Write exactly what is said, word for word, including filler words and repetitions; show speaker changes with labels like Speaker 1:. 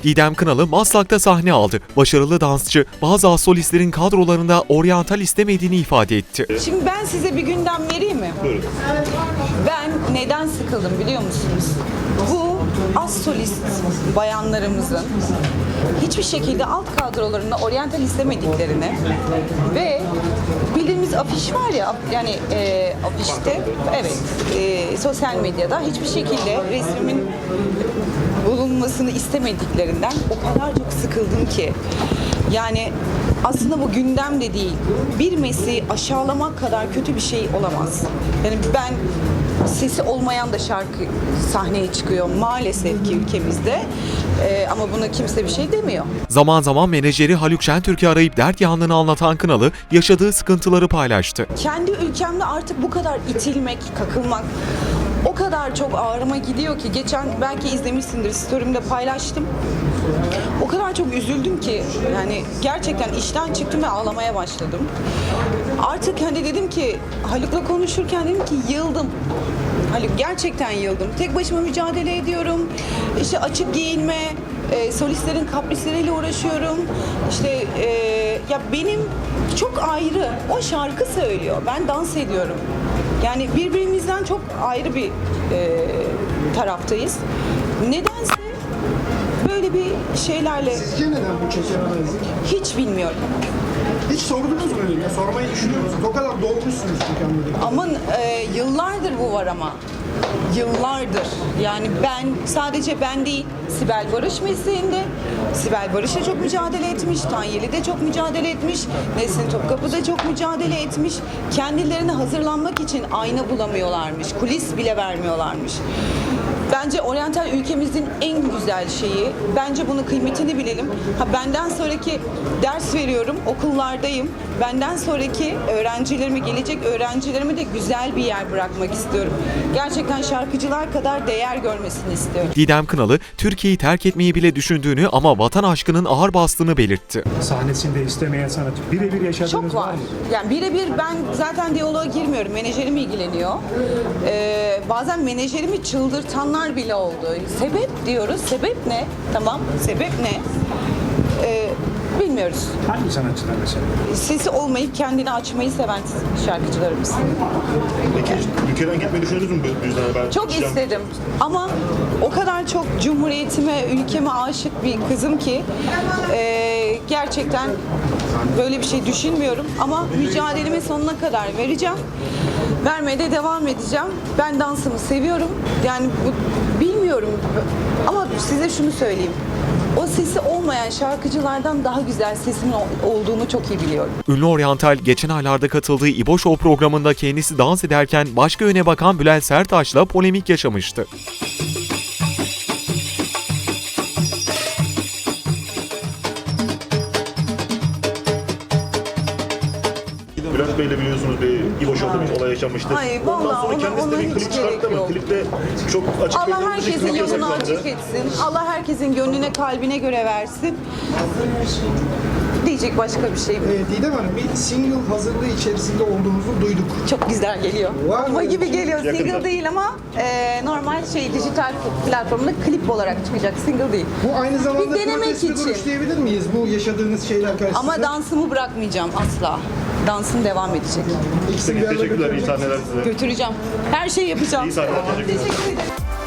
Speaker 1: Didem Kınalı Maslak'ta sahne aldı. Başarılı dansçı bazı az solistlerin kadrolarında oryantal istemediğini ifade etti.
Speaker 2: Şimdi ben size bir gündem vereyim mi?
Speaker 3: Buyurun.
Speaker 2: Ben neden sıkıldım biliyor musunuz? Bu az solist bayanlarımızın hiçbir şekilde alt kadrolarında oryantal istemediklerini ve bildiğimiz afiş var ya, yani e, afişte, evet, e, sosyal medyada hiçbir şekilde resmimin bulunmasını istemediklerinden o kadar çok sıkıldım ki. Yani aslında bu gündem de değil. Bir mesleği aşağılamak kadar kötü bir şey olamaz. Yani ben, sesi olmayan da şarkı sahneye çıkıyor maalesef ki ülkemizde. Ee, ama buna kimse bir şey demiyor.
Speaker 1: Zaman zaman menajeri Haluk Şentürk'ü arayıp dert yanlığını anlatan Kınalı yaşadığı sıkıntıları paylaştı.
Speaker 2: Kendi ülkemde artık bu kadar itilmek, kakılmak o kadar çok ağrıma gidiyor ki, geçen belki izlemişsindir, story'imde paylaştım. O kadar çok üzüldüm ki, yani gerçekten işten çıktım ve ağlamaya başladım. Artık hani dedim ki, Haluk'la konuşurken dedim ki yıldım. Haluk, gerçekten yıldım. Tek başıma mücadele ediyorum. İşte açık giyinme, e, solistlerin kaprisleriyle uğraşıyorum. İşte e, ya benim çok ayrı. O şarkı söylüyor. Ben dans ediyorum. Yani birbirimizden çok ayrı bir e, taraftayız. Nedense böyle bir şeylerle...
Speaker 4: Sizce neden bu çekememezlik?
Speaker 2: Hiç bilmiyorum.
Speaker 4: Hiç sordunuz mu öyle? Sormayı düşünüyor musunuz? O kadar dolmuşsunuz çünkü anladım.
Speaker 2: Aman e, yıllardır bu var ama. Yıllardır. Yani ben, sadece ben değil, Sibel Barış mesleğinde. Sibel Barış da çok mücadele etmiş, Tanyeli de çok mücadele etmiş, Nesrin Topkapı da çok mücadele etmiş. Kendilerine hazırlanmak için ayna bulamıyorlarmış, kulis bile vermiyorlarmış. Bence oryantal ülkemizin en güzel şeyi. Bence bunun kıymetini bilelim. Ha, benden sonraki ders veriyorum, okullardayım. Benden sonraki öğrencilerimi, gelecek öğrencilerimi de güzel bir yer bırakmak istiyorum. Gerçekten şarkıcılar kadar değer görmesini istiyorum.
Speaker 1: Didem Kınalı, Türkiye'yi terk etmeyi bile düşündüğünü ama vatan aşkının ağır bastığını belirtti.
Speaker 5: Sahnesinde istemeyen sanatçı birebir yaşadığınız
Speaker 2: Çok
Speaker 5: var
Speaker 2: var.
Speaker 5: mı?
Speaker 2: Yani birebir ben zaten diyaloğa girmiyorum. Menajerim ilgileniyor. Ee, bazen menajerimi çıldırtanlar bile oldu. Sebep diyoruz. Sebep ne? Tamam. Sebep ne? Ee, bilmiyoruz.
Speaker 5: Hangi sanatçılar mesela?
Speaker 2: Sesi olmayıp kendini açmayı seven şarkıcılarımız.
Speaker 3: Peki ülkeden gitmeyi düşündünüz mü bu yüzden? Ben
Speaker 2: Çok
Speaker 3: gideceğim.
Speaker 2: istedim ama o kadar çok cumhuriyetime, ülkeme aşık bir kızım ki e, gerçekten böyle bir şey düşünmüyorum ama mücadelemi sonuna kadar vereceğim. Vermeye de devam edeceğim. Ben dansımı seviyorum. Yani bu, bilmiyorum ama size şunu söyleyeyim. O sesi olmayan şarkıcılardan daha güzel sesimin olduğunu çok iyi biliyorum.
Speaker 1: Ünlü oryantal geçen aylarda katıldığı İbo Show programında kendisi dans ederken başka yöne bakan Bülent Serttaş'la polemik yaşamıştı.
Speaker 3: Bülent Bey'le biliyorsunuz bir İbo Show'da bir olay yaşanmıştı.
Speaker 2: Ay,
Speaker 3: Ondan
Speaker 2: vallahi
Speaker 3: sonra
Speaker 2: ona-
Speaker 3: kendisi
Speaker 2: ona
Speaker 3: de bir
Speaker 2: hiç
Speaker 3: klip çıkarttı
Speaker 2: gerek
Speaker 3: ama
Speaker 2: yok.
Speaker 3: klipte çok açık
Speaker 2: Allah
Speaker 3: belli olunca
Speaker 2: herkesin
Speaker 3: klip
Speaker 2: yolunu
Speaker 3: yasaklandı.
Speaker 2: açık etsin. Allah herkesin gönlüne, kalbine göre versin. Diyecek başka bir şey mi?
Speaker 4: Ee, Didem Hanım, bir single hazırlığı içerisinde olduğunuzu duyduk.
Speaker 2: Çok güzel geliyor.
Speaker 4: Var mı
Speaker 2: Bomba
Speaker 4: öyle
Speaker 2: gibi
Speaker 4: bir şey?
Speaker 2: geliyor.
Speaker 3: Yakında.
Speaker 2: Single değil ama e, normal şey, dijital platformda klip olarak çıkacak. Single değil.
Speaker 4: Bu aynı zamanda
Speaker 2: Bir denemek
Speaker 4: protesto
Speaker 2: için.
Speaker 4: duruş diyebilir miyiz bu yaşadığınız şeyler karşısında?
Speaker 2: Ama dansımı bırakmayacağım asla. Dansım devam edecek.
Speaker 4: İkisini bir
Speaker 3: Peki,
Speaker 4: arada
Speaker 3: teşekkürler, iyi
Speaker 4: götürmek
Speaker 3: sahneler size.
Speaker 2: Götüreceğim. Her şeyi yapacağım.
Speaker 3: İyi sahneler, teşekkürler.
Speaker 2: Teşekkür ederim.